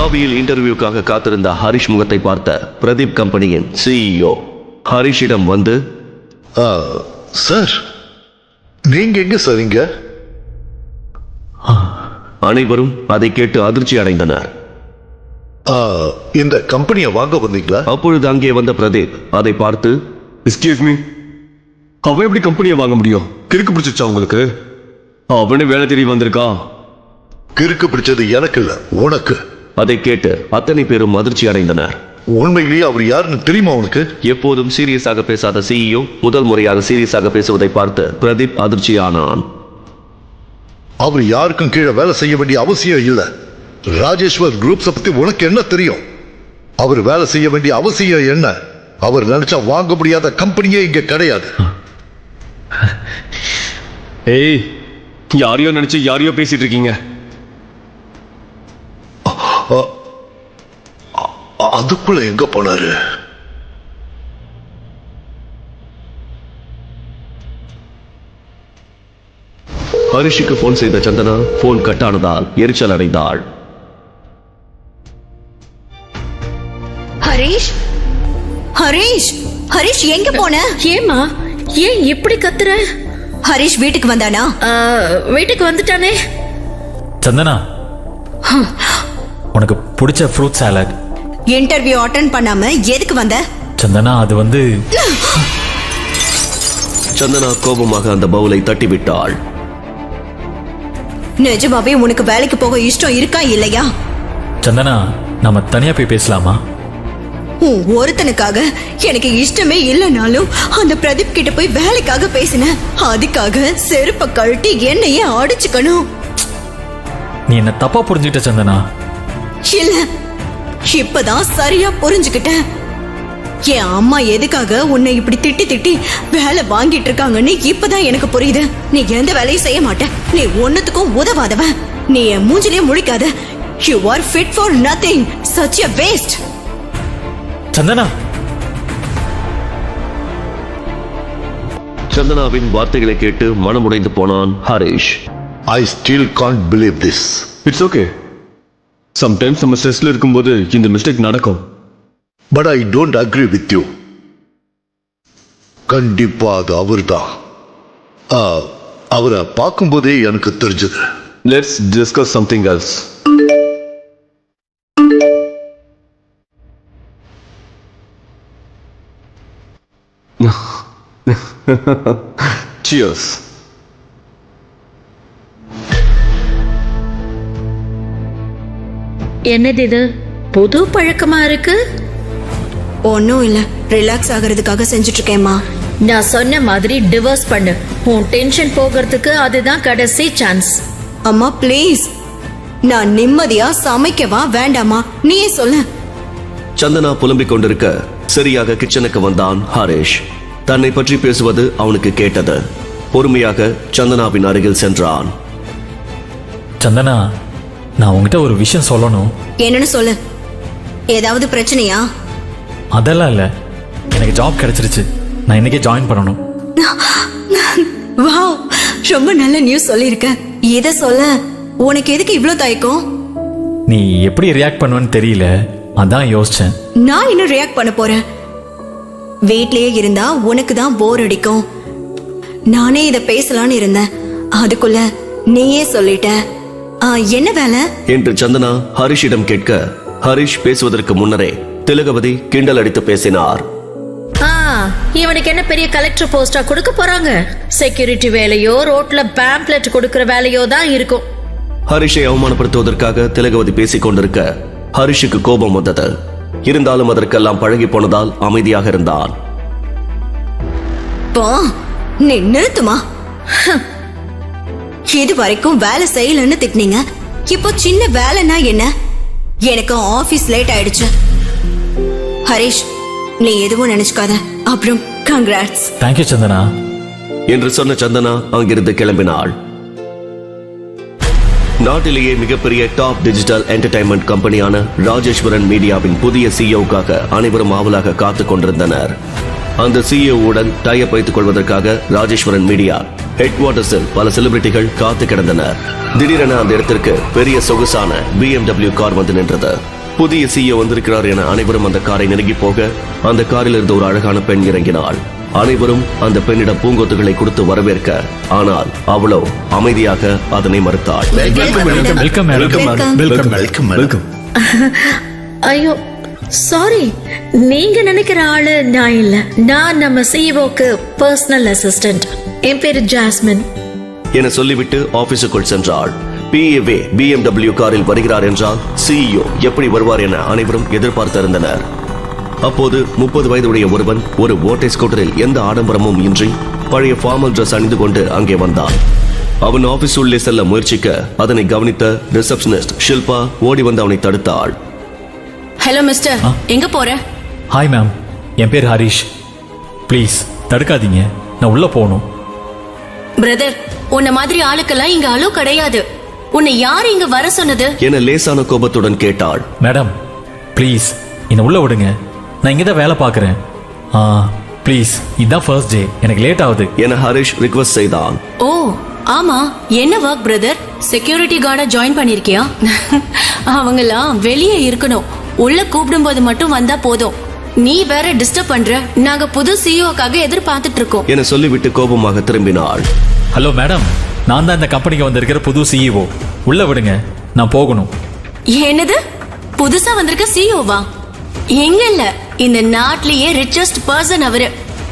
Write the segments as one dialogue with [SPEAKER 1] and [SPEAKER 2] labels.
[SPEAKER 1] லாபியில் இன்டர்வியூக்காக காத்திருந்த ஹரிஷ் முகத்தை பார்த்த பிரதீப் கம்பெனியின் CEO ஹரிஷிடம் வந்து,
[SPEAKER 2] சார் நீங்க எங்க சார் இங்க?
[SPEAKER 1] அனைவரும் அதை கேட்டு அதிர்ச்சி அடைந்தனர்.
[SPEAKER 2] இந்த கம்பெனியை வாங்க வந்தீங்களா?
[SPEAKER 1] அப்பொழுது அங்கே வந்த பிரதீப் அதை பார்த்து,
[SPEAKER 3] எஸ்கியூஸ் மீ, அவன் எப்படி கம்பெனியை வாங்க முடியும்? கிறுக்கு பிடிச்சிச்சா உங்களுக்கு? அவனே வேலை தேடி வந்திருக்கான்.
[SPEAKER 2] கிறுக்கு பிடிச்சது எனக்கு இல்ல, உனக்கு.
[SPEAKER 1] அதை கேட்டு அத்தனை பேரும் அதிர்ச்சி அடைந்தனர்.
[SPEAKER 2] உண்மையிலேயே அவர் யாருன்னு தெரியுமா உனக்கு?
[SPEAKER 1] எப்போதும் சீரியஸாக பேசாத CEO முதல் முறையாக சீரியஸாக பேசுவதை பார்த்து பிரதீப் அதிர்ச்சியானான்.
[SPEAKER 2] அவர் யாருக்கும் கீழே வேலை செய்ய வேண்டிய அவசியம் இல்ல. ராஜேஸ்வர் குரூப்ஸை பத்தி உனக்கு என்ன தெரியும்? அவர் வேலை செய்ய வேண்டிய அவசியம் என்ன? அவர் நினைச்சா வாங்க முடியாத கம்பெனியே இங்க கிடையாது.
[SPEAKER 3] ஏய், யாரையோ நினைச்சு யாரையோ பேசிட்டு இருக்கீங்க.
[SPEAKER 2] அதுக்குள்ள எங்க போனாரு?
[SPEAKER 1] ஹரிஷுக்கு போன் செய்த சந்தனா போன் கட் ஆனதால் எரிச்சல் அடைந்தாள்.
[SPEAKER 4] ஹரிஷ், ஹரிஷ், ஹரிஷ் எங்க போன?
[SPEAKER 5] ஏமா, ஏன் இப்படி கத்துற?
[SPEAKER 4] ஹரிஷ் வீட்டுக்கு வந்தானா?
[SPEAKER 5] வீட்டுக்கு வந்துட்டானே.
[SPEAKER 6] சந்தனா, உனக்கு பிடிச்ச ஃப்ரூட் சாலட்.
[SPEAKER 4] இன்டர்வியூ அட்டெண்ட் பண்ணாம எதுக்கு வந்த?
[SPEAKER 6] சந்தனா, அது வந்து.
[SPEAKER 1] சந்தனா கோபமாக அந்த பவுலை தட்டிவிட்டாள்.
[SPEAKER 4] நிஜமாவே உனக்கு வேலைக்கு போக இஷ்டம் இருக்கா இல்லையா?
[SPEAKER 6] சந்தனா, நாம தனியா போய் பேசலாமா?
[SPEAKER 4] ஒருத்தனுக்காக எனக்கு இஷ்டமே இல்லைனாலும் அந்த பிரதீப் கிட்ட போய் வேலைக்காக பேசின. அதுக்காக செருப்ப கழட்டி என்னையே அடிச்சுக்கணும்.
[SPEAKER 6] நீ என்ன தப்பா புரிஞ்சுக்கிட்ட சந்தனா.
[SPEAKER 4] இல்ல, இப்பதான் சரியா புரிஞ்சுக்கிட்டேன். என் அம்மா எதுக்காக உன்னை இப்படி திட்டி திட்டி வேலை வாங்கிட்டு இருக்காங்கன்னு இப்பதான் எனக்கு புரியுது. நீ எந்த வேலையும் செய்ய மாட்ட, நீ ஒன்னுத்துக்கும் உதவாதவன். நீ என் மூஞ்சிலே முழிக்காத. You are fit for nothing, such a waste.
[SPEAKER 6] Santhana.
[SPEAKER 1] சந்தனாவின் வார்த்தைகளை கேட்டு மனமுடைந்து போனான் Harish.
[SPEAKER 2] I still can't believe this.
[SPEAKER 3] It's okay. Sometimes நம்ம ஸ்ட்ரெஸ்ல இருக்கும்போது இந்த மிஸ்டேக் நடக்கும்.
[SPEAKER 2] But I don't agree with you. கண்டிப்பா அது அவர்தான். அவரை பார்க்கும்போதே எனக்கு தெரிஞ்சது.
[SPEAKER 3] Let's discuss something else. Cheers.
[SPEAKER 5] என்னது இது, புது பழக்கமா இருக்கு?
[SPEAKER 4] ஒன்னும் இல்ல, ரிலாக்ஸ் ஆகிறதுக்காக செஞ்சுட்டு இருக்கேம்மா.
[SPEAKER 5] நான் சொன்ன மாதிரி டிவோர்ஸ் பண்ணு. உன் டென்ஷன் போகிறதுக்கு அதுதான் கடைசி சான்ஸ்.
[SPEAKER 4] அம்மா ப்ளீஸ், நான் நிம்மதியா சமைக்கவா வேண்டாமா? நீயே சொல்ல.
[SPEAKER 1] சந்தனா புலம்பிக் கொண்டிருக்க சரியாக கிச்சனுக்கு வந்தான் ஹரிஷ். தன்னை பற்றி பேசுவது அவனுக்கு கேட்டது. பொறுமையாக சந்தனாவின் அருகில் சென்றான்.
[SPEAKER 6] சந்தனா, நான் உங்ககிட்ட ஒரு விஷயம் சொல்லணும்.
[SPEAKER 4] என்னன்னு சொல்லு. ஏதாவது பிரச்சனையா?
[SPEAKER 6] அதெல்லாம் இல்ல, எனக்கு ஜாப் கிடைச்சிருச்சு. நான் இன்னைக்கே ஜாயின் பண்ணணும்.
[SPEAKER 4] வாவ், ரொம்ப நல்ல நியூஸ் சொல்லிருக்க. இத சொல்ல உனக்கு எதுக்கு இவ்ளோ தயக்கம்?
[SPEAKER 6] நீ எப்படி ரியாக்ட் பண்ணுவேன்னு தெரியல, அதான் யோசிச்சேன்.
[SPEAKER 4] நான் இன்னும் ரியாக்ட் பண்ண போறேன். வீட்லயே இருந்தா உனக்கு தான் போர் அடிக்கும். நானே இத பேசலான்னு இருந்தேன், அதுக்குள்ள நீயே சொல்லிட்ட. என்ன வேலை
[SPEAKER 1] என்று சந்தனா ஹரிஷிடம் கேட்க, ஹரிஷ் பேசுவதற்கு முன்னரே திலகவதி கிண்டல் அடித்து பேசினார்.
[SPEAKER 5] இவனுக்கு என்ன பெரிய கலெக்டர் போஸ்டா கொடுக்க போறாங்க? செக்யூரிட்டி வேலையோ ரோட்ல பேம்ப்ளெட் கொடுக்கிற வேலையோ தான் இருக்கும்.
[SPEAKER 1] ஹரிஷை அவமானப்படுத்துவதற்காக திலகவதி பேசிக் கொண்டிருக்க ஹரிஷுக்கு கோபம் வந்தது. இருந்தாலும் அதற்கெல்லாம் பழகி போனதால் அமைதியாக இருந்தான்.
[SPEAKER 4] நீ நிறுத்துமா? இது வரைக்கும் வேலை செய்யலன்னு திட்டினீங்க, இப்போ சின்ன வேலைன்னா என்ன? எனக்கு ஆபீஸ் லேட் ஆயிடுச்சு. ஹரிஷ், நீ எதுவும் நினைச்சுக்காத. அப்புறம் கங்க்ராட்ஸ்.
[SPEAKER 6] தேங்க்யூ சந்தனா
[SPEAKER 1] என்று சொன்ன சந்தனா அங்கிருந்து கிளம்பினாள். நாட்டிலேயே மிகப்பெரிய டாப் டிஜிட்டல் என்டர்டைன்மெண்ட் கம்பெனியான ராஜேஸ்வரன் மீடியாவின் புதிய CEOக்காக அனைவரும் ஆவலாக காத்துக் கொண்டிருந்தனர். அந்த சிஇஓவுடன் டைப் வைத்துக் கொள்வதற்காக ராஜேஸ்வரன் மீடியா ஹெட் குவார்ட்டர்ஸில் பல செலிபிரிட்டிகள் காத்து கிடந்தனர். திடீரென அந்த இடத்திற்கு பெரிய சொகுசான BMW கார் வந்து நின்றது. புதிய சிஇஓ வந்திருக்கிறார் என அனைவரும் அந்த காரை நெருங்கி போக அந்த காரில் இருந்த ஒரு அழகான பெண் இறங்கினாள். அனைவரும் அந்த பெண்ணிடம் பூங்கொத்துகளை கொடுத்து வரவேற்க, ஆனால் அவளோ அமைதியாக அதனை மறுத்தாள்.
[SPEAKER 6] Welcome
[SPEAKER 7] welcome.
[SPEAKER 5] ஐயோ சாரி, நீங்க நினைக்கிற ஆளு நான் இல்ல. நான் நம்ம சிஇஓக்கு பர்சனல் அசிஸ்டன்ட். என் பேரு ஜாஸ்மின்
[SPEAKER 1] என சொல்லிவிட்டு ஆபீஸுக்குள் சென்றாள். PA BMW காரில் வருகிறார் என்றால் சிஇஓ எப்படி வருவார் என அனைவரும் எதிர்பார்த்திருந்தனர். அப்போது 30 வயதுடைய ஒருவன் ஒரு ஓட்டை ஸ்கூட்டரில் எந்த ஆடம்பரமும் இன்றி பழைய ஃபார்மல் டிரஸ் அணிந்து கொண்டு அங்கே வந்தான். அவன் ஆபீஸ் உள்ளே செல்ல முயற்சிக்க அதனை கவனித்த ரிசப்ஷனிஸ்ட் ஷில்பா ஓடி வந்து அவனை தடுத்தாள்.
[SPEAKER 4] ஹலோ மிஸ்டர், எங்க போற?
[SPEAKER 6] ஹாய் மேம், என் பேர் ஹரிஷ். ப்ளீஸ் தடுக்காதீங்க, நான் உள்ள போகணும்.
[SPEAKER 4] பிரதர், உன்ன மாதிரி ஆளுக்கெல்லாம் இங்க அலோ கிடையாது. உன்னை யார் இங்க வர சொன்னது?
[SPEAKER 1] என லேசான கோபத்துடன் கேட்டாள்.
[SPEAKER 6] மேடம் ப்ளீஸ் என்னை உள்ள விடுங்க, நான் இங்கே தான் வேலை பார்க்குறேன். ப்ளீஸ், இதுதான் ஃபர்ஸ்ட் டே, எனக்கு லேட் ஆகுது
[SPEAKER 1] என ஹரிஷ் ரிக்வெஸ்ட் செய்தான்.
[SPEAKER 4] ஓ ஆமா, என்ன ஒர்க் பிரதர்? செக்யூரிட்டி கார்டா ஜாயின் பண்ணிருக்கியா? அவங்கெல்லாம் வெளியே இருக்கணும், உள்ள கூப்பிடும்போது மட்டும் வந்தா போதும். நீ வேற டிஸ்டர்ப் பண்ற. நாங்க புது சிஇஓக்காக எதிர்பார்த்துட்டு இருக்கோம்
[SPEAKER 1] என சொல்லிவிட்டு கோபமாக திரும்பினாள்.
[SPEAKER 6] ஹலோ மேடம், நான் தான் இந்த கம்பெனிக்கு வந்திருக்கிற புது சிஇஓ. உள்ள விடுங்க, நான் போகணும்.
[SPEAKER 4] என்னது, புதுசா வந்திருக்க சிஇஓவா? எங்க இல்ல, இந்த நாட்டிலேயே ரிச்சஸ்ட் பர்சன் அவரு.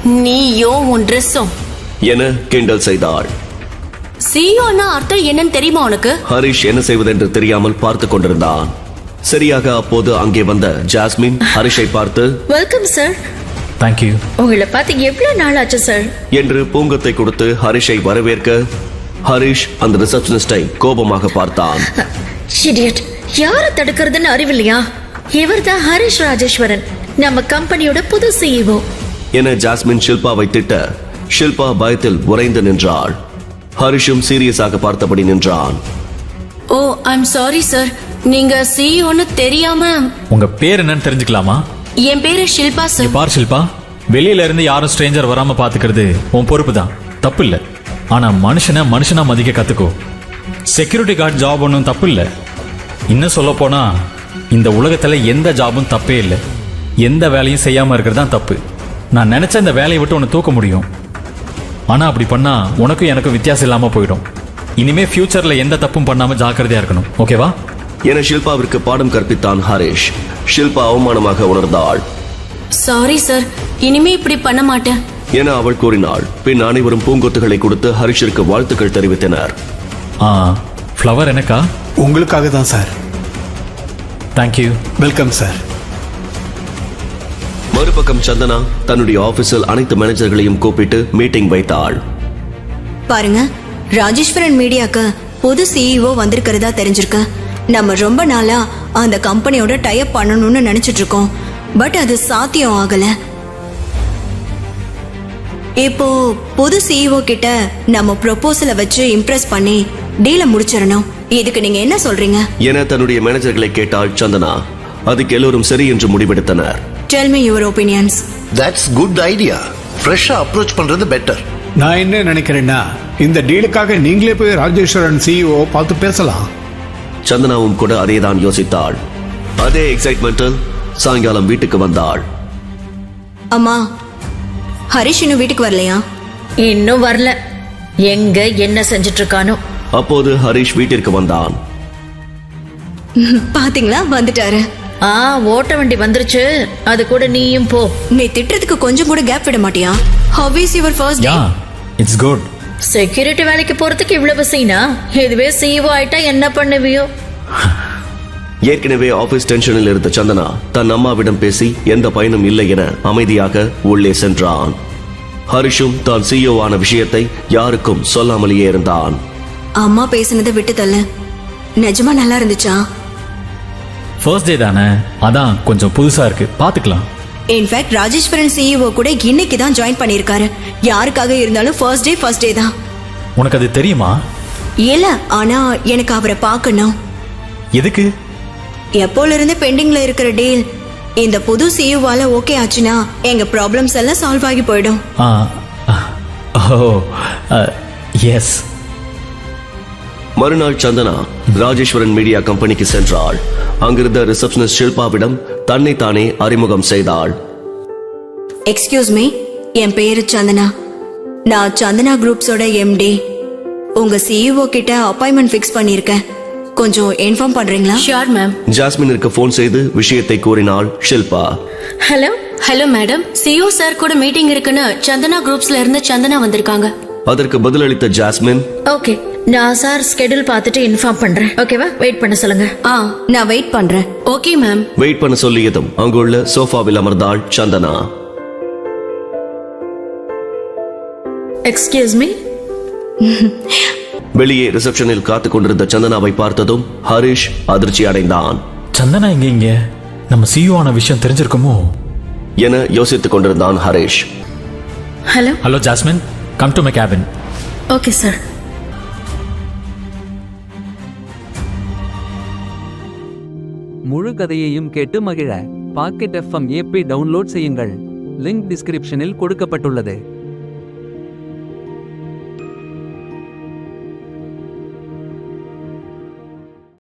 [SPEAKER 4] நீயோ உன் ட்ரெஸ்ஸும்
[SPEAKER 1] என கிண்டல் செய்தாள்.
[SPEAKER 4] சிஇஓன்னா அர்த்தம் என்னன்னு தெரியுமா உனக்கு?
[SPEAKER 1] ஹரிஷ் என்ன செய்வதென்று தெரியாமல் பார்த்து கொண்டிருந்தான். சரியாக அப்போது அங்கே வந்த ஜாஸ்மின் ஹரிஷை பார்த்து
[SPEAKER 5] வெல்கம் சார்.
[SPEAKER 6] தேங்க்யூ.
[SPEAKER 5] உங்களை பார்த்து எவ்வளவு நாள் ஆச்சு சார்
[SPEAKER 1] என்று பூங்கத்தை கொடுத்து ஹரிஷை வரவேற்க, ஹரிஷ் அந்த ரிசப்ஷனிஸ்டை கோபமாக பார்த்தான்.
[SPEAKER 5] இடியட், யாரை தடுக்கிறதுன்னு அறிவில்லையா? இவர்தான் ஹரிஷ் ராஜேஸ்வரன், நம்ம கம்பெனியோட புது சிஇஓ
[SPEAKER 1] என ஜாஸ்மின் ஷில்பாவை திட்ட, ஷில்பா பயத்தில் உறைந்து நின்றாள். ஹரிஷும் சீரியஸாக பார்த்தபடி நின்றான்.
[SPEAKER 4] ஓ ஐம் சாரி சார், நீங்க சிஇஓன்னு தெரியாம.
[SPEAKER 6] உங்க பேர் என்னன்னு தெரிஞ்சுக்கலாமா?
[SPEAKER 4] என் பேரு ஷில்பா
[SPEAKER 6] நீ
[SPEAKER 4] சார்.
[SPEAKER 6] பார் ஷில்பா, வெளியில இருந்து யாரும் ஸ்ட்ரேஞ்சர் வராம பாத்துக்கிறது உன் பொறுப்பு தான், தப்பு இல்ல. ஆனா மனுஷனை மனுஷனா மதிக்க கத்துக்கோ. செக்யூரிட்டி கார்டு ஜாப் ஒன்றும் தப்பு இல்ல. இன்னும் சொல்ல போனா இந்த உலகத்துல எந்த ஜாபும் தப்பே இல்லை. எந்த வேலையும் செய்யாம இருக்கிறது தான் தப்பு. நான் நினைச்ச இந்த வேலையை விட்டு உன்னை தூக்க முடியும், ஆனா அப்படி பண்ணா உனக்கும் எனக்கும் வித்தியாசம் இல்லாம போயிடும். இனிமே ஃபியூச்சர்ல எந்த தப்பும் பண்ணாம ஜாக்கிரதையா இருக்கணும், ஓகேவா?
[SPEAKER 1] என ஷில்பாவிற்கு பாடம் கற்பித்தான் ஹரிஷ். ஷில்பா அவமானமாக உணர்ந்தாள்.
[SPEAKER 4] சாரி சார், இனிமே இப்படி பண்ண மாட்டேன்
[SPEAKER 1] என அவள் கூறினாள். பின் அனைவரும் பூங்கொத்துகளை கொடுத்து ஹரிஷிற்கு வாழ்த்துக்கள் தெரிவித்தனர்.
[SPEAKER 6] ஃப்ளவர் எனக்கா?
[SPEAKER 7] உங்களுக்காக தான் சார்.
[SPEAKER 6] தேங்க்யூ.
[SPEAKER 7] Welcome sir.
[SPEAKER 1] மறுபக்கம் சந்தனா தன்னுடைய ஆபீஸில் அனைத்து மேனேஜர்களையும் கூப்பிட்டு மீட்டிங் வைத்தாள்.
[SPEAKER 4] பாருங்க, ராஜேஸ்வரன் மீடியாக்கு புது சிஇஓ வந்திருக்கிறதா தெரிஞ்சிருக்கு. நம்ம ரொம்ப நாளா அந்த கம்பெனியோட டைப் பண்ணணும்னு நினைச்சிட்டு இருக்கோம். பட் அது சாத்தியம் ஆகல. இப்போ புது சிஇஓ கிட்ட நம்ம ப்ரொபோசலை வச்சு இம்ப்ரெஸ் பண்ணி டீலை முடிச்சிடணும். இதுக்கு நீங்க என்ன சொல்றீங்க
[SPEAKER 1] என தன்னுடைய மேனேஜர்களை கேட்டாள் சந்தனா. அதுக்கு எல்லோரும் சரி என்று முடிவெடுத்தனர்.
[SPEAKER 4] Tell me your opinions.
[SPEAKER 2] That's good idea. ஃப்ரெஷ்ஷா அப்ரோச் பண்றது பெட்டர்.
[SPEAKER 7] நான் என்ன நினைக்கிறேன்னா, இந்த டீலுக்காக நீங்களே போய் ராஜேஸ்வரன் சிஇஓ பார்த்து பேசலாம்.
[SPEAKER 1] சந்தனாவும் கூட அதேதான் யோசித்தாள். அதே எக்ஸைட்மெண்டில் சாயங்காலம் வீட்டுக்கு வந்தாள்.
[SPEAKER 4] அம்மா, ஹரிஷ் இன்னும் வீட்டுக்கு வரலையா?
[SPEAKER 5] இன்னும் வரல. எங்க என்ன செஞ்சிட்டு இருக்கானோ.
[SPEAKER 1] அப்போது ஹரிஷ் வீட்டிற்கு வந்தான்.
[SPEAKER 4] பாத்தீங்களா, வந்துட்டாரு.
[SPEAKER 5] ஓட்ட வண்டி வந்துருச்சு, அது கூட நீயும் போ.
[SPEAKER 4] நீ திட்டுறதுக்கு கொஞ்சம் கூட கேப் விட மாட்டியா? How is your first day?
[SPEAKER 6] Yeah, it's good.
[SPEAKER 5] Security வேலைக்கு போறதுக்கு இவ்வளவு சீனா? இதுவே சிஇஓ ஆயிட்டா என்ன பண்ணுவியோ?
[SPEAKER 1] ஏற்கனவே ஆபீஸ் டென்ஷனில் இருந்த சந்தனா தன் அம்மாவிடம் பேசி எந்த பயனும் இல்லை என அமைதியாக உள்ளே சென்றான். ஹரிஷும் தான் சிஇஓ ஆன விஷயத்தை யாருக்கும் சொல்லாமலேயே இருந்தான்.
[SPEAKER 4] அம்மா பேசினதை விட்டு தள்ள. நிஜமா நல்லா இருந்துச்சா?
[SPEAKER 6] ஃபர்ஸ்ட் டே தானே, அதான் கொஞ்சம் புதுசா இருக்கு, பாத்துக்கலாம்.
[SPEAKER 4] இன்ஃபேக்ட் ராஜேஸ்வரன் சிஇஓ கூட இன்னைக்கு தான் ஜாயின் பண்ணிருக்காரு. யாருக்காக இருந்தாலும் ஃபர்ஸ்ட் டே தான்.
[SPEAKER 6] உனக்கு அது தெரியுமா?
[SPEAKER 4] இல்ல, ஆனா எனக்கு அவரை பார்க்கணும்.
[SPEAKER 6] எதுக்கு?
[SPEAKER 4] எப்போல இருந்து பெண்டிங்ல இருக்கிற டீல் இந்த புது சிஇஓவால ஓகே ஆச்சுன்னா எங்க ப்ராப்ளம்ஸ் எல்லாம் சால்வ் ஆகி போயிடும்.
[SPEAKER 6] Oh yes.
[SPEAKER 1] மறுநாள் சந்தனா ராஜேஸ்வரன் மீடியா கம்பெனிக்கு சென்றாள். அங்கிருந்த ரிசப்ஷனிஸ்ட் ஷில்பாவிடம் தன்னை தானே அறிமுகம் செய்தாள்.
[SPEAKER 4] எக்ஸ்கியூஸ் மீ, என் பேரு சந்தனா. நான் சந்தனா குரூப்ஸோட எம்டி. உங்க சிஇஓ கிட்ட அப்பாயின்மெண்ட் ஃபிக்ஸ் பண்ணிருக்கேன். கொஞ்சம் இன்ஃபார்ம் பண்றீங்களா?
[SPEAKER 8] Sure ma'am.
[SPEAKER 1] ஜாஸ்மினிற்கு போன் செய்து விஷயத்தை கூறினாள் Shilpa.
[SPEAKER 5] Hello.
[SPEAKER 8] Hello madam, CO sir கூட மீட்டிங் இருக்குன்னு சந்தனா குரூப்ஸ்ல இருந்து சந்தனா வந்திருக்காங்க.
[SPEAKER 1] அதற்கு பதிலளித்த ஜாஸ்மின்,
[SPEAKER 5] ஓகே, நான் சார் ஸ்கெடியூல் பார்த்துட்டு இன்ஃபார்ம் பண்றேன். ஓகேவா? வெயிட் பண்ண சொல்லுங்க.
[SPEAKER 4] நான் வெயிட் பண்றேன்.
[SPEAKER 8] Okay ma'am.
[SPEAKER 1] வெயிட் பண்ண சொல்லியதும் அங்குள்ள சோஃபாவில் அமர்ந்தாள் சந்தனா.
[SPEAKER 5] Excuse me.
[SPEAKER 1] வெளியே ரிசப்ஷனில் காத்துக் கொண்டிருந்த சந்தனாவை பார்த்ததும் ஹரிஷ் அதிர்ச்சி அடைந்தான்.
[SPEAKER 6] சந்தனா இங்க நம்ம சிஇஓ ஆன விஷயம் தெரிஞ்சிருக்குமோ
[SPEAKER 1] என யோசித்துக் கொண்டிருந்தான் Harish.
[SPEAKER 5] Hello.
[SPEAKER 6] Hello Jasmine, come to my cabin.
[SPEAKER 5] Okay sir.
[SPEAKER 9] முழு கதையையும் கேட்டு மகிழ பாக்கெட் FM ஆப்பை டவுன்லோட் செய்யுங்கள். லிங்க் டிஸ்கிரிப்ஷனில் கொடுக்கப்பட்டுள்ளது.